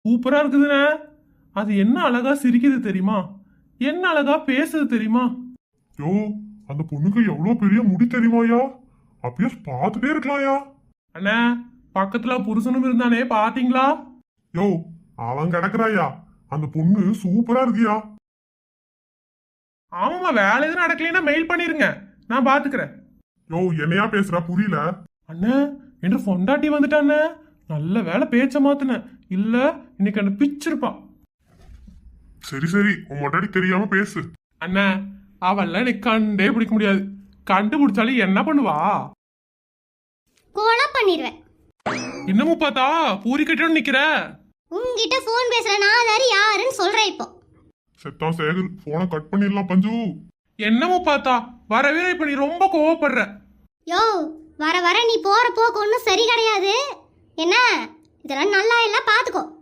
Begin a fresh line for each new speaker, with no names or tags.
சூப்பரா இருக்குதுண்ணே. அது என்ன அழகா சிரிக்குது தெரியுமா? என்ன அழகா பேசுது தெரியுமா?
யோ, அந்த பொண்ணுக்கு எவ்வளவு பெரிய முடி தெரியுமாயா? அப்படியே பார்த்துட்டே இருக்கலாம்யா.
அண்ணா, பக்கத்துல புருஷனும் இருந்தானே, பாத்தீங்களா?
யோ, அவன் கிடக்குறாயா. அந்த பொண்ணு சூப்பரா இருக்கியா.
ஆமாமா, வேலை எதுவும் நடக்கலைன்னா மெயில் பண்ணிருங்க, நான் பாத்துக்கிறேன்.
யோ, என்னையா பேசுறா புரியல.
அண்ணா, என்று பொண்டாட்டி வந்துட்டானே. நல்ல வேலை பேச்ச மாத்துனேன், இல்ல இன்னைக்கு அந்த பிச்சிருப்பா.
சரி சரி, உன் மொட்டாடி தெரியாம பேசு.
அண்ணா, அவெல்லாம் எனக்கு கண்டே பிடிக்க முடியாது. கண்டுபிடிச்சாலும் என்ன பண்ணுவா?
கொலை பண்ணிடுவேன்.
இன்னமும் பார்த்தா பூரி கட்டணும் நிக்கிற.
உங்ககிட்ட போன் பேசுற நான் வேற யாருன்னு சொல்றேன் இப்போ.
செத்தான் சேகர், போனை கட் பண்ணிடலாம் பஞ்சு.
என்னமும் பார்த்தா வரவே இப்ப நீ ரொம்ப கோவப்படுற.
யோ, வர வர நீ போற போக்கு ஒன்றும் சரி கிடையாது. என்ன இதெல்லாம் நல்லா இல்ல, பாத்துக்கோ.